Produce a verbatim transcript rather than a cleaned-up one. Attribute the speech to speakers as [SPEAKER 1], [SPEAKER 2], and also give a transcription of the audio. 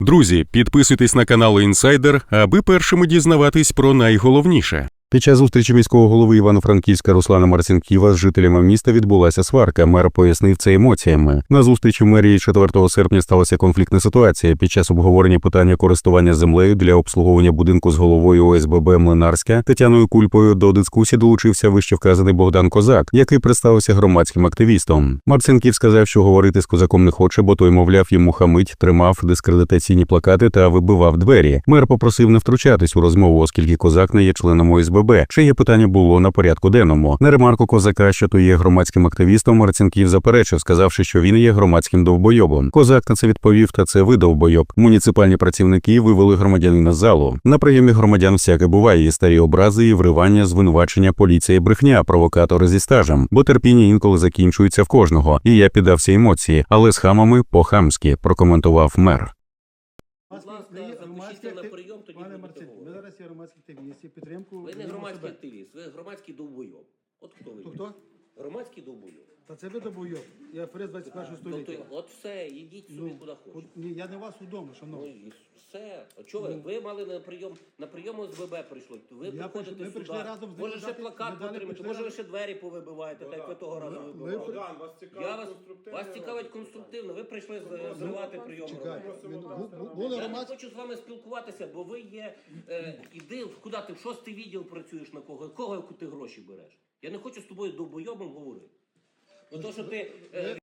[SPEAKER 1] Друзі, підписуйтесь на канал Інсайдер, аби першими дізнаватись про найголовніше.
[SPEAKER 2] Під час зустрічі міського голови Івано-Франківська Руслана Марцинківа з жителями міста відбулася сварка. Мер пояснив це емоціями. На зустрічі в мерії четвертого серпня сталася конфліктна ситуація. Під час обговорення питання користування землею для обслуговування будинку з головою О С Б Б Млинарська Тетяною Кульпою до дискусії долучився вищевказаний Богдан Козак, який представився громадським активістом. Марцинків сказав, що говорити з Козаком не хоче, бо той, мовляв, йому хамить, тримав дискредитаційні плакати та вибивав двері. Мер попросив не втручатись у розмову, оскільки Козак не є членом О С Б Б, чиє питання було на порядку денному. На ремарку Козака, що той є громадським активістом, Марцинків заперечив, сказавши, що він є громадським довбойобом. Козак на це відповів: "Та це ви довбойоб". Муніципальні працівники вивели громадянина з залу. На прийомі громадян всяке буває: і старі образи, і вривання, звинувачення, поліція, брехня, провокатори зі стажем. Бо терпіння інколи закінчується в кожного. І я піддався емоції, але з хамами по-хамськи, прокоментував мер.
[SPEAKER 3] Будь ласка, запишіться на прийом, тоді
[SPEAKER 4] Пане
[SPEAKER 3] будете
[SPEAKER 4] Марцин, ми
[SPEAKER 3] говорити.
[SPEAKER 4] зараз є громадські активісти, підтримку.
[SPEAKER 3] Ви не
[SPEAKER 4] самого
[SPEAKER 3] громадський
[SPEAKER 4] себе.
[SPEAKER 3] активіст, ви громадський довбойоб. От хто ви?
[SPEAKER 4] Хто
[SPEAKER 3] є?
[SPEAKER 4] хто?
[SPEAKER 3] Громадський довбойоб.
[SPEAKER 4] Та це ви добойов. Я фрест двадцять першого
[SPEAKER 3] Тобто,
[SPEAKER 4] століття.
[SPEAKER 3] от все, йдіть собі куди
[SPEAKER 4] от-
[SPEAKER 3] хочете.
[SPEAKER 4] Ні, я не у вас удома,
[SPEAKER 3] Ну
[SPEAKER 4] шановний.
[SPEAKER 3] і все. А чого ви? Ви мали на прийом, на прийом О С Б Б прийшли. Ви
[SPEAKER 4] Я
[SPEAKER 3] приходите
[SPEAKER 4] прийшли- ми
[SPEAKER 3] сюди.
[SPEAKER 4] прийшли разом з ним
[SPEAKER 3] Може ще
[SPEAKER 4] дати-
[SPEAKER 3] плакат
[SPEAKER 4] ми далі
[SPEAKER 3] потримати,
[SPEAKER 4] прийшли
[SPEAKER 3] може ви
[SPEAKER 4] разом.
[SPEAKER 3] ще двері повибиваєте, так як ви того разу
[SPEAKER 4] Ми-
[SPEAKER 3] вибивали.
[SPEAKER 4] Богдан,
[SPEAKER 5] вас цікавить
[SPEAKER 3] Я вас,
[SPEAKER 5] конструктивне
[SPEAKER 3] вас цікавить
[SPEAKER 5] розвитку.
[SPEAKER 3] конструктивно. Ви прийшли з- зривати прийом.
[SPEAKER 4] Чекай,
[SPEAKER 3] громадян.
[SPEAKER 4] він- бу- бу- були
[SPEAKER 3] Я не
[SPEAKER 4] громадські...
[SPEAKER 3] хочу з вами спілкуватися, бо ви є. Е, іди, куди ти в шостий відділ працюєш, на кого? Кого ти гроші береш? Я не хочу з тобою довбойобом говорити. Ну то, що ти. Е,